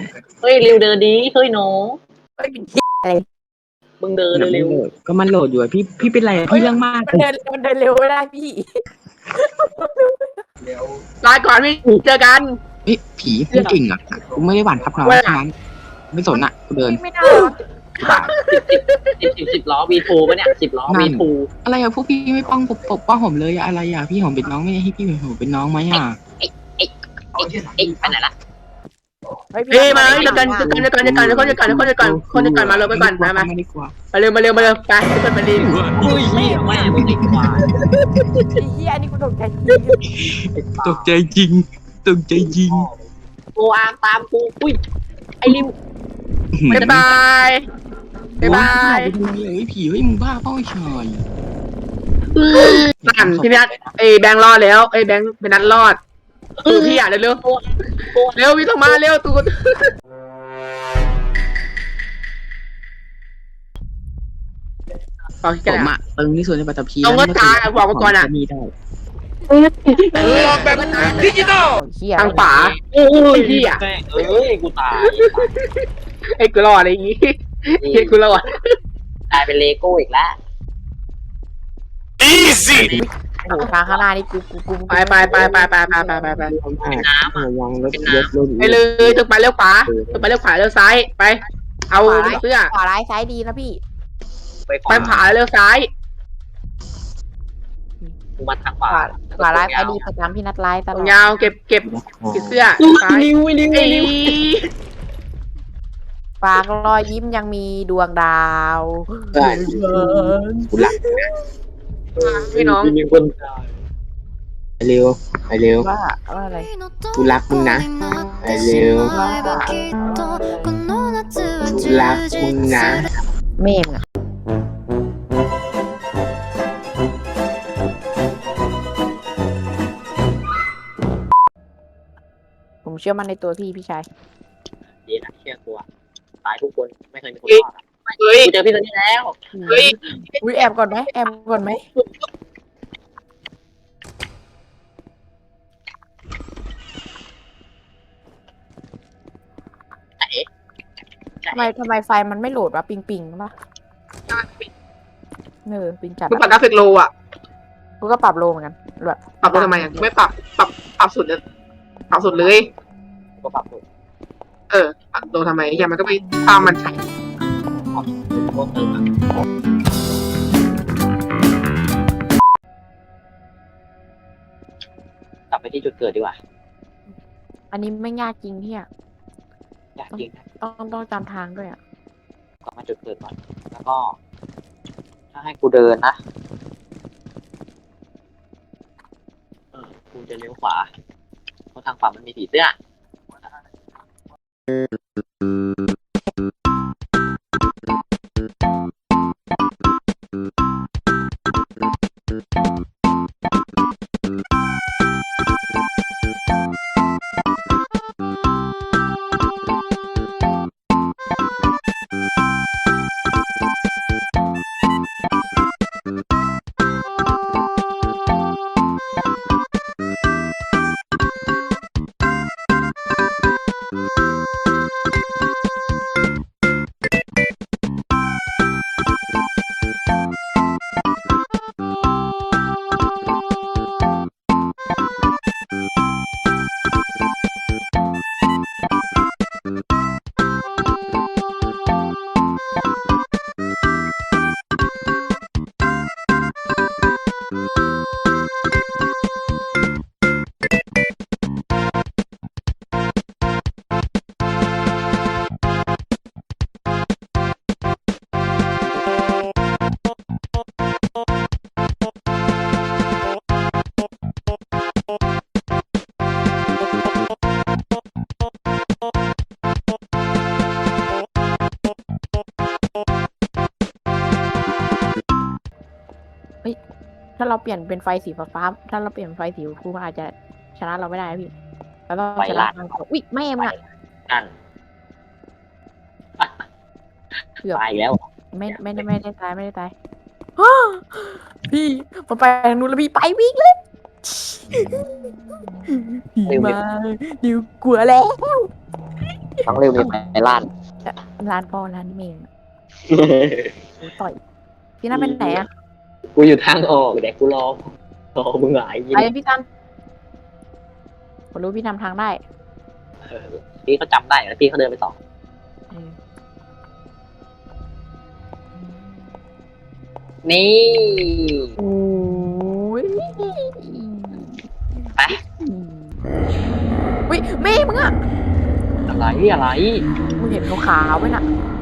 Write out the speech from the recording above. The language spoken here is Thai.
เฮ้ยเร็วเดินดีเฮ้ยน้องเฮ้ยเป็นเหี้ยอะไรมึงเดินเนี่ยเร็วก็มันโหลดอยู่อะพี่เป็นไรอะพี่เรื่องมากมันเดินเร็วไม่ได้พี่ลาก่อนพี่เจอกันเฮ้ยผีพูดเก่งอ่ะกูไม่ได้หวานทับน้องทั้งนั้นไม่สนอ่ะกูเดินไม่ได้หรอสิบล้อ V2 ปะเนี่ย10 ล้อ V2 อะไรอะพวกพี่ไม่ปกป้องผมเลยอะอะไรอะพี่ผมเป็นน้องไม่ได้ให้พี่ผมเป็นน้องไหมอะเอ็งไปไหนละเฮ้ยเฮ้ยมาเจอกันมาเลยไปก่อนไปทุกคนมาดีอุ้ยแม่มึงไอ้ควายไอ้เหี้ยอันนี้กูตกใจตกใจจริงตกใจจริงโกอางตามกูอุ้ยไอ้ริวบ๊ายบายบ๊ายบายเฮ้ยผีเฮ้ยมึงบ้าเป้าไอ้ชายนั่นพี่นัทไอ้แบงค์รอดแล้วไอ้แบงค์เป็นนัทรอดตูพี่อ่ะเร็วเร็วพี่ต้องมาเร็วตูนผมอะตึงที่สุดในปัตตภีต้องก็ตายบอกมาก่อนอ่ะมีได้แบบดิจิตอลเหี้ยทางขวาโอ้ยพี่อ่ะเอ้ยกูตายไอ้กูรอดอะไรอย่างงี้ไอ้กูรอดกลายเป็นเลโก้อีกแล้วโอ้โหทางข้างหน้านี่กูไปเป็นน้ำอ่ะยังรถไปเลยตึกไปเลี้ยวขวาตึกไปเลี้ยวขวาเลี้ยวซ้ายไปเอาเสื้อขวาร้ายซ้ายดีนะพี่ไปขวาเลี้ยวซ้ายกูมาทางขวาขวาร้ายซ้ายดีประจำพี่นัดร้ายตตลรอง ดยาวเก็บเสื้อซ้ายริวไอ้ฝากรอยยิ้มยังมีดวงดาวกูรักพี่น้องมีคนตายไปเร็วไปเร็วว่าอะไรกูรักมึงนะไปเร็วกูรักมึงนะเมมอ่ะผมเชื่อมั่นในตัวพี่ชายดีนะเชื่อกูอะตายทุกคนไม่เคยมีคนรอดอะเฮ้ยกูเจอพี่ตัวนี้แล้วเฮ้ยอุ้ยแอบก่อนไหมแอบก่อนไหมทำไมไฟมันไม่โหลดวะปิงปะปิงจัดมึงปรับกราฟิกโลอ่ะกูก็ปรับโลเหมือนกันแบบปรับทำไมอ่ะไม่ปรับสุดเลยปรับสุดเลยก็ปรับตัวปรับโลทำไมอย่ามันก็ไปตามมันใช่พวกเติมอะกลับไปที่จุดเกิดดีกว่าอันนี้ไม่ยากจริงที่อ่ะอยากจริงนะต้องจำทางด้วยอ่ะกลับมาจุดเกิดก่อน แล้วก็ ถ้าให้กูเดินนะกูจะเลี้ยวขวาเพราะทางขวามันมีผีเสื้อถ้าเราเปลี่ยนเป็นไฟสีฟ้าถ้าเราเปลี่ยนเป็นไฟสีชมพูมันอาจจะชนะเราไม่ได้นะพี่เราต้องชนะทางเขาอุ้ยแม่มึงอ่ะนั่นเกือบตายอีกแล้วไม่ได้ตายฮ่าพี่มันไปทางนู้นแล้วพี่ไปวิ่งเลยผีมาดิวกลัวแล้วต้องเร็วมีไปล้านร้านพ่อร้านเมงต่อยพี่น่าเป็นไหนอะกูอยู่ทางออกเด็กกูรอมึงหลายยิงไปพี่กันผมรู้พี่นำทางได้พี่เขาจำได้แล้วพี่เขาเดินไปต่อเออนี่โอ้ยไปอุ้ยเมย์มึงอะอะไรมึงเห็นขาวๆไหมน่ะ